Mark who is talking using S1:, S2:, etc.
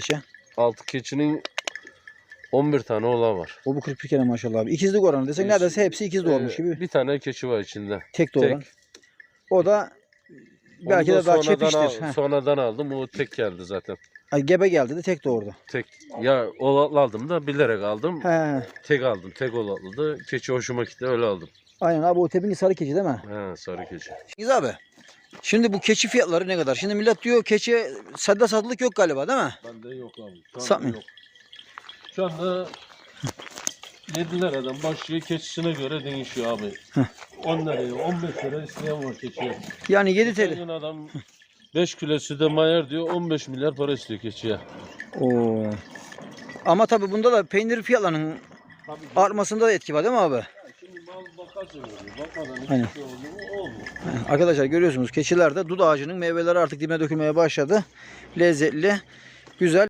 S1: Şey.
S2: 6 keçinin 11 tane oğlan var.
S1: O bu 41 kere maşallah abi. İkizlik oranı desek neredeyse hepsi ikiz doğmuş gibi.
S2: Bir tane keçi var içinde.
S1: Tek doğuran. O da belki de daha çepiştir.
S2: Sonradan aldım. O tek geldi zaten.
S1: Ay, gebe geldi de tek doğurdu.
S2: Tek. Ya oğlan aldım da bilerek aldım.
S1: He.
S2: Tek aldım. Tek oğlanlıydı. Keçi hoşuma gitti. Öyle aldım.
S1: Aynen abi, o tepinki sarı keçi değil mi?
S2: He, sarı keçi.
S1: Cengiz abi. Şimdi bu keçi fiyatları ne kadar? Şimdi millet diyor keçi sadde satılık yok galiba değil mi?
S2: Bende yok abi. Şu anda
S1: Satmıyor.
S2: yok. Şu anda 7 liradan başlıyor, keçisine göre değişiyor abi. 10 liraya, 15 lira isteyen var keçiye.
S1: Yani 7
S2: Geçen
S1: TL.
S2: gün adam 5 kilo süde mayar diyor, 15 milyar para istiyor keçiye.
S1: Oo. Ama tabii bunda da peynir fiyatlarının artmasında da etki var değil mi abi?
S2: Şimdi mal bakarsa oluyor, bakmadan
S1: Aynen.
S2: hiçbir şey oluyor, olmuyor.
S1: Arkadaşlar görüyorsunuz keçilerde dut ağacının meyveleri artık dibine dökülmeye başladı. Lezzetli, güzel.